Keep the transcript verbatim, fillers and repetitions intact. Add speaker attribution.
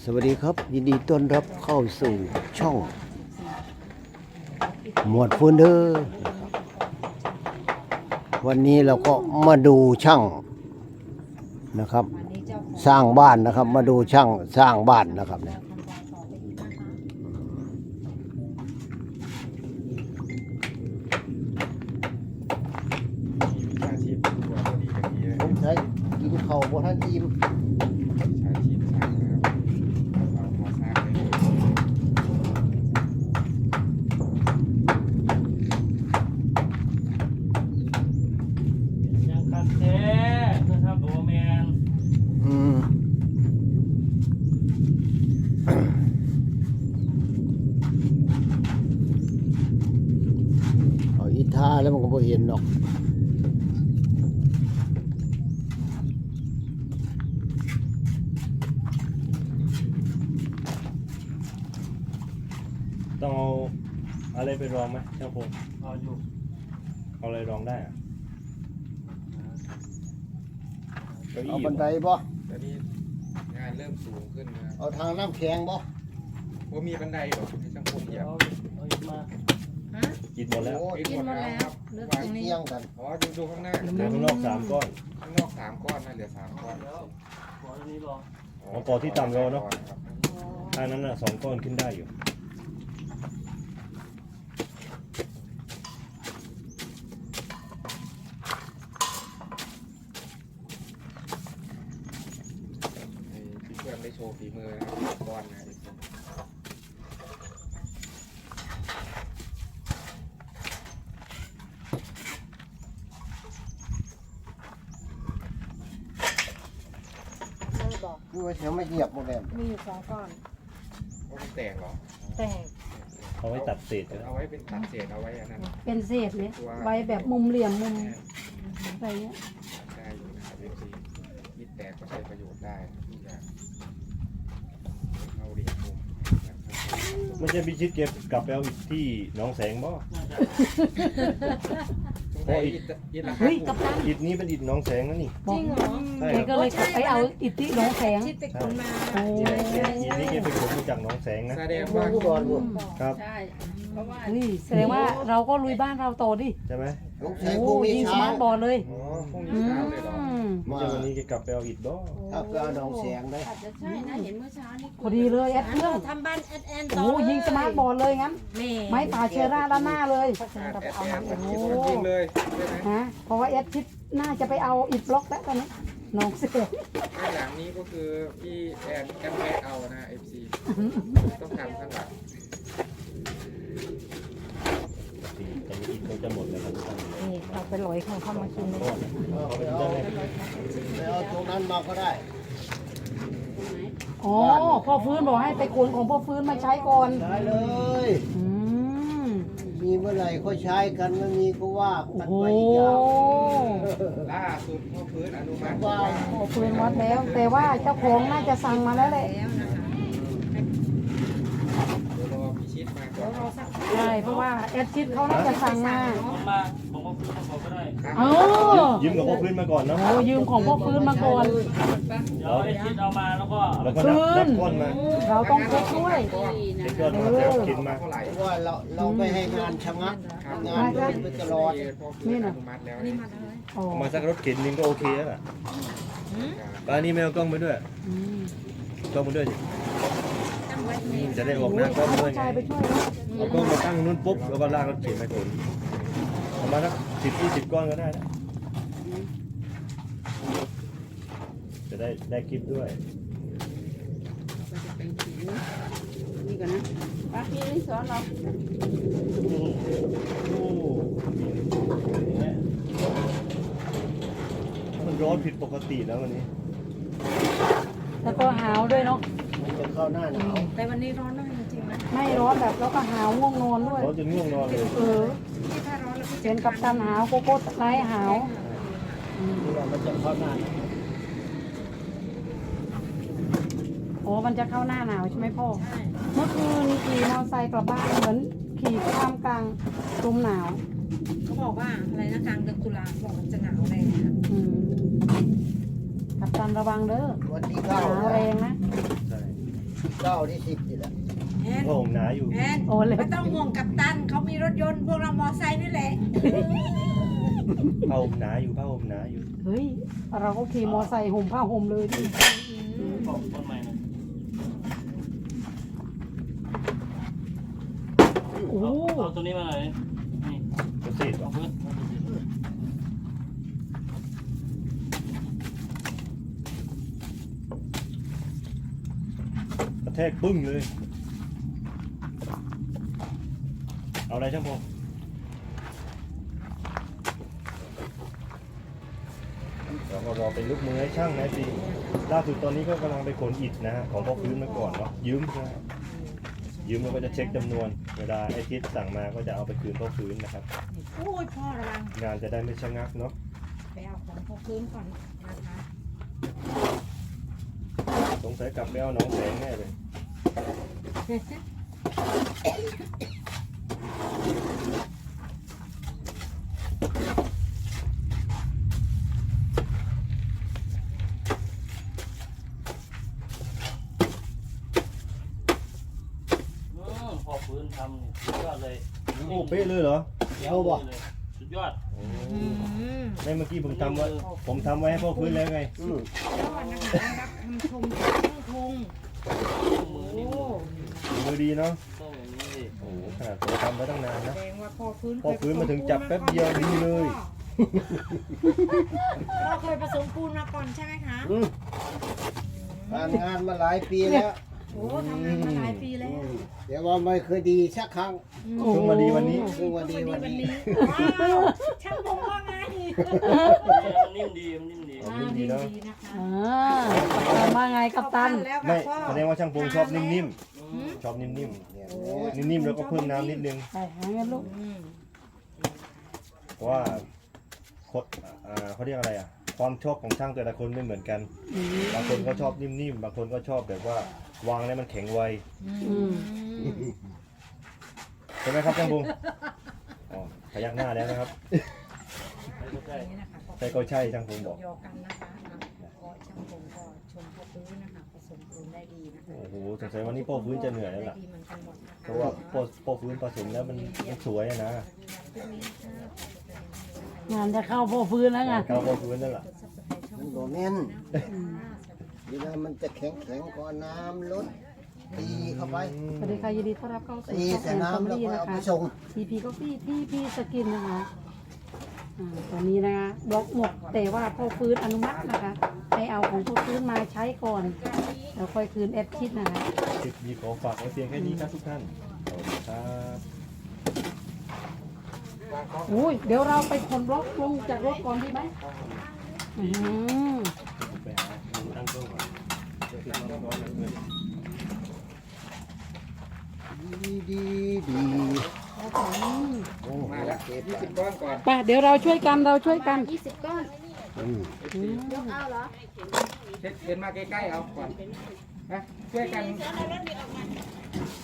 Speaker 1: สวัสดีครับยินดีต้อนรับเข้าสู่ช่องหมวดเฟอร์เนอร์วันนี้เราก็มาดูช่างนะครับ สร้างบ้านนะครับ มาดูช่างสร้างบ้านนะครับเนี่ยผมใช้กินข้าวบนท่านอิ่มท่าแล้วมันก็บ่เห็นหรอก
Speaker 2: ต้องเอาอะไรไปรองไหมช่างพงเอาอยู่เอาอะไรรองได้อะ
Speaker 1: เอาบันไดบ่
Speaker 3: ตอนนี้งานเริ่มสูงขึ้นนะ
Speaker 1: เอาทางน้ำแข็งบ่
Speaker 3: ว่ามีบันไดหรอให้ช่างพงเหยียบ
Speaker 2: กินหมดแล้ว
Speaker 3: กินหมดแล้ววาง
Speaker 1: เที่ยงกัน
Speaker 3: อ๋อดูดูข้างหน้า
Speaker 2: เหลือข้างนอกสามก้อน
Speaker 3: ข้างนอกสามก้อนนะเหลือสามก้อน
Speaker 2: อ๋อปอที่ต่ำเราเนาะอันนั้นน่ะสองก้อนขึ้นได้อยู่
Speaker 3: พี่เพื่อนได้โชว์ฝีมือนะก้อนนะ
Speaker 1: คือว่าเสียไม่เหยียบหมดแล้ว
Speaker 4: มีอยู่สองก้อน
Speaker 3: ว่ามันแตกเหรอ
Speaker 4: แตก
Speaker 2: เอาไว้ตัดเศษ
Speaker 3: เอาไว้เป็นตัดเศษเอาไว้อันนั้น
Speaker 4: เป็นเศษเลยไว้แบบมุมเหลี่ยมมุมอะไรเงี้ย
Speaker 3: ได้อยู่นะครับเอฟซีมิดแตกก็ใช้ประโยชน์ได้ทุกอย่างเอาเหลี่ยมมุม
Speaker 2: ไม่ใช่พิชิตเก็บกลับไปเอาอีกที่หนองแสงบ่
Speaker 3: เพราะอิฐอิฐราคา
Speaker 4: เฮ้ย
Speaker 3: ถู
Speaker 4: กับ
Speaker 3: ก
Speaker 4: ตัน
Speaker 2: อิฐนี้เป็นอิฐหนองแสงนะนี่
Speaker 4: จริงเหรอ
Speaker 2: ใช่
Speaker 4: แกก็เลยกลับไปเอาอิฐที่หนองแสง
Speaker 5: ชิดไปขนมา
Speaker 4: โอ้
Speaker 2: อิฐนี้แกไปขนมาจากหนองแสงนะ
Speaker 3: แสดงว่า
Speaker 1: ผู้บอลบุญ
Speaker 2: ครับ
Speaker 5: ใช่ เพราะว่า
Speaker 4: นี่แสดงว่าเราก็ลุยบ้านเราโตดิ
Speaker 2: ใช่ไหม
Speaker 1: ลูกแส
Speaker 4: โอ้
Speaker 1: งพวกนี้
Speaker 4: ยิงส
Speaker 1: เช้า
Speaker 4: มาร์ทบอลเลย
Speaker 3: อ๋อพรุ่ง
Speaker 4: อื
Speaker 3: นี้เช้าเลยเหรอ
Speaker 4: ม
Speaker 2: ไม่ใช่วันนี้แกกลับไปเอาอิฐบ่
Speaker 1: ถ้าเกิดน้องแสงได้
Speaker 5: อาจจะใช่นะเห็นเมื่อเช้านี่
Speaker 4: พอดีเลยแอดเครื่อง
Speaker 5: ทำบ้านแอดแอนต่
Speaker 4: โอ้ยิงสมาร์ทบอลเลยงั้น
Speaker 5: แม่
Speaker 4: ไม้ป่าเชอร่าด้านหน้าเลย
Speaker 3: แอดแอด
Speaker 4: เอา
Speaker 3: แอ
Speaker 4: มา
Speaker 3: ด
Speaker 4: โอ้โห
Speaker 3: ยิงเลยใช่ไหม
Speaker 4: ฮะเพราะว่าแอดคิดน่าจะไปเอาอิฐบล็อกแล้วตอนนี้น้องเสือ
Speaker 3: ข้างหลังนี้ก็คือพี่แอนแอนแวะเอานะเอฟซีต้องทำข้างหลัง
Speaker 2: ตอนนี้อิฐเขาจะหมดแล้วครับทุกท่าน
Speaker 4: นี่เราไปลอยของเขามากินเลย
Speaker 1: เอาไปเอาไปเอาตรงนั้นมาก็ได้
Speaker 4: อ๋อพ่อฟื้นบอกให้ไปขนของพ่อฟื้นมาใช้ก่อน
Speaker 1: ได้เลย
Speaker 4: อืม
Speaker 1: มีเมื่อไหร่ก็ใช้กันไม่มีก็ว่า
Speaker 4: โอ้
Speaker 1: กัน
Speaker 4: โห
Speaker 1: ไปอีกอย่าง
Speaker 3: ล่าสุดพ่อพื้นอนุมัติ
Speaker 1: ว่า
Speaker 4: พ่อฟื้นวัดแล้ว แต่ว่าเจ้าของน่าจะสั่งมาแล้วแหละ
Speaker 5: แล้วนะคะ
Speaker 3: เดี๋ยวรอพิชิตมาก่อน
Speaker 5: รอสัก
Speaker 4: ใช่เพราะว่าแอดชิดเขาน่าจะสั่งมา
Speaker 6: มาผมว่าพื้นเขาก็ได้
Speaker 4: เออ
Speaker 2: ยืมกับพ่อพื้นมาก่อนเนาะ
Speaker 4: โอ้ยืมของพ่อฟื้นมาก่อน
Speaker 6: เดี๋ยวไอ้ชิดเอามาแล้วก็
Speaker 2: แล้วก็นับนับก้อนมา
Speaker 4: เราต้องเช็คด้วย
Speaker 5: ดีนะ
Speaker 2: เด็กก้อนมาแล้วกินมา
Speaker 3: เท่าไหร่
Speaker 1: เพราะว่าเราเราไม่ให้งานชะงักงานเดินไปตลอด
Speaker 3: พ่อพื้นอนุมัติแล้ว
Speaker 5: นี่มาเลย
Speaker 4: อ๋อ
Speaker 2: เอามาสักรถเข็นนึงก็โอเคแล้วล่ะป้านี่ไม่เอากล้องไปด้วย
Speaker 4: อืม
Speaker 2: กล้องไปด้วยสิ
Speaker 5: ตั้งไว้นี่
Speaker 2: จะได้ออกหน้ากล้องด้วย
Speaker 4: ผู้
Speaker 2: ไง
Speaker 4: ชายไปช่วยนะ
Speaker 2: เอากล้องมาตั้งนู้นปุ๊บแล้วก็ลากรถเข็นไปขนประมาณสักสิบยี่สิบก้อนก็ได้นะจะได้ได้คลิปด้วย
Speaker 5: นี่ก่อนนะป้าพี่นี่สอนเรา
Speaker 2: โอ้โหมันร้อนผิดปกติแล้ววันนี้
Speaker 4: แล้วก็หาวด้วยเนาะ
Speaker 1: มันจะเข้าหน้าหนาว
Speaker 5: แต่วันนี้ร้อนมากจริงๆนะ
Speaker 4: ไม่ร้อนแบบแล้วก็หาวง่วงนอนด้วย
Speaker 2: ร้อนจนง่วงนอนเลย
Speaker 4: เออ
Speaker 5: ที่ถ้าร้อนแล้วก็
Speaker 4: เป็นกับตันหาวโกโก้ไลท์หาวอืม
Speaker 1: ที่ว่ามันจะเข้าหน้าหนาว
Speaker 4: โอ้มันจะเข้าหน้าหนาวใช่ไหมพ่อ
Speaker 5: ใช่
Speaker 4: เมื่อคืนขี่มอเตอร์ไซค์กลับบ้านเหมือนขี่ข้ามกลางลมหนาว
Speaker 5: เขาบอกว่าอะไรนะกลางเดือนตุลาบอกมันจะหนาวแรงนะ
Speaker 4: อืมกับตันระวังเด้อ
Speaker 1: วันที่
Speaker 4: ห
Speaker 1: เก้า
Speaker 4: นาวแรงนะ
Speaker 2: ใช่
Speaker 1: เก้าที่สิบนี่แหละ
Speaker 5: แอน
Speaker 2: ก็ผมหนาอยู่
Speaker 5: แอน
Speaker 4: โอ้เลย
Speaker 5: ไม่ต้องห่วงกัปตันเขามีรถยนต์พวกเรามอไซค์นี่แหละ
Speaker 2: ผ้าห่มหนาอยู่ผ้าห่มหนาอยู่
Speaker 4: เฮ้ยเราก็ขี่มอไซค์ห่มผ้าห่มเลยดิ
Speaker 6: บอกต้นใหม่หน่อย
Speaker 4: โอ้
Speaker 6: เอาเอาตัวนี้มาหน่อยนี่
Speaker 2: จะเสร็จ
Speaker 6: เอาพื้น
Speaker 2: กระแทกปึ้งเลย เอาอะไรช่างพงเราก็รอเป็นลูกมือให้ช่างนะสิล่าสุดตอนนี้ก็กำลังไปขนอิฐนะฮะของพ่อพื้นมาก่อนเนาะยืมนะฮะยืมแล้วก็จะเช็คจำนวน เวลาไอ้ทิศสั่งมาก็จะเอาไปคืนพ่อพื้นนะครับ
Speaker 5: โอ้ยพ่อระวัง
Speaker 2: งานจะได้ไม่ชะงักเนาะ
Speaker 5: ไปเอาของพวกพื้นก่อนนะคะ
Speaker 2: สงสัยกลับไปเอาหน้องแสงแน่เลย
Speaker 6: อืมพอพื้นทำนี่สุดยอดเลย
Speaker 2: โอ้เป๊ะเลยเหรอ
Speaker 1: เอาบ่
Speaker 6: เลยสุดยอด
Speaker 2: โอ้
Speaker 5: อืม
Speaker 2: ในเมื่อกี้ผมทำไว้ผมทำไว้ให้พ่อพื้นแล้วไง
Speaker 1: อืม
Speaker 5: ยอดนะคะได้รับคำชมจากช่างพง
Speaker 6: มือ
Speaker 5: โอ้
Speaker 6: นี่มือ
Speaker 2: มือดีเนาะ
Speaker 6: ต้องอย่างนี้สิ
Speaker 2: โอ้โหขนาดผมทำไว้ตั้งนาน
Speaker 5: แส
Speaker 2: นะ
Speaker 5: ดงว่าพ่อพื้น
Speaker 2: พ่อพื้นมาถึงจับแป๊บเดียวดีเลย
Speaker 5: เราเคยผสมปูนมาก่อนใช่ไหมคะ
Speaker 1: อืมทำงานมาหลายปีแล้ว
Speaker 5: โอ้ทำงานมาหลายปีแล้ว
Speaker 1: อืมเดี๋ยวว่าไม่เคยดีสักครั้ง
Speaker 2: เพิ่งมาดีวันนี้
Speaker 1: เพิ่งมาดีวันนี้
Speaker 5: ว้าวช่างพงว่าไง
Speaker 6: มันนิ่มดีมันนิ่มดี
Speaker 2: อ๋อนิ่มดีเนาะ
Speaker 5: ดีนะคะ
Speaker 4: อ่ากัปตันว่าไงกัปตัน
Speaker 5: แล้ว
Speaker 2: ไม่
Speaker 5: ค่ะพ่อ
Speaker 2: แสดงว่าช่างพงชอบนิ่ม
Speaker 5: อืม
Speaker 2: ๆ ชอบนิ่ม
Speaker 1: เนี่ย
Speaker 2: ๆ นิ่มๆ แล้วก็เพิ่มน้ำนิดนึง
Speaker 4: ไปหาเงินลูก
Speaker 5: อืม
Speaker 2: เพราะว่าคดอ่าเขาเรียกอะไรอ่ะ ความชอบของช่างแต่ละคนไม่เหมือนกัน
Speaker 4: อืม
Speaker 2: บางคนก็ชอบนิ่มๆ บางคนก็ชอบแบบว่าวางแล้วมันแข็งไว
Speaker 4: อืม
Speaker 2: ใช่ไหมครับช่างพงอ๋อพยักหน้าแล้วนะครับ
Speaker 6: ใช่
Speaker 5: นี่นะคะ
Speaker 2: ใช่ก็ใช่ช่างพงบอก
Speaker 5: ยอกันนะคะอ่ะก็ช่างพงก็ชมพ่อพื้นนะคะผสมปูนได้ดีนะคะ
Speaker 2: โอ้โหสงสัยวันนี้พ่อพื้นจะเหนื่อยแล้วล่ะ
Speaker 5: ได้ดีเหมือนกันหมดนะคะ
Speaker 2: เพราะว่าพ่อพ่อพื้นผสมแล้วมันมันสวยอะนะ
Speaker 4: งานจะเข้าพ่อฟื้นแล้วไง
Speaker 2: เขาพ่อพื้นนั่นแหละ
Speaker 1: มันโดแม่นเวลามันจะแข็งแข็งๆก่อนน้ำลดตีเข้าไป
Speaker 4: สวัสดีค่ะยินดีต้อนรับเข้าสู่
Speaker 1: ตี
Speaker 4: ช่อง
Speaker 1: ใส่
Speaker 4: แอนคอม
Speaker 1: น้ำแล้ว
Speaker 4: ดี้
Speaker 1: ก็
Speaker 4: นะ
Speaker 1: เอาไป
Speaker 4: คะ
Speaker 1: ส่ง
Speaker 4: ทีพีก็พี่ที่พี่สกินนะคะอ่าตอนนี้นะคะบล็อกหมดแต่ว่าพ่อฟื้นอนุมัตินะคะ ให้เอาของพ่อฟื้นมาใช้ก่อนแล้วค่อยคืนแอดคิดนะคะ
Speaker 2: คลิปนี้ขอฝากไว้เพียงแค่นี้ครับทุกท่านสวัสดีครับ
Speaker 4: อุ้ยเดี๋ยวเราไปขนบล็อกลงจากรถก่อนดีไหมอืม
Speaker 2: ผมไปหาดูตั้งกล้องก่อนเดี๋ยวติดตั้งกล้องก่อนเลย
Speaker 1: ดีดีดี
Speaker 4: อืม
Speaker 1: โอ้โห
Speaker 3: มาแล้ว
Speaker 1: เก็บ
Speaker 3: ยี่สิบก้อนก่อน
Speaker 4: ไปเดี๋ยวเราช่วยกันเราช่วยกัน
Speaker 5: ยี่สิบก้อน
Speaker 1: อืม
Speaker 4: อืม
Speaker 5: เอาเหรอ
Speaker 3: เช็ดเดินมาใกล้ๆเอาก่อนนะช่วยกัน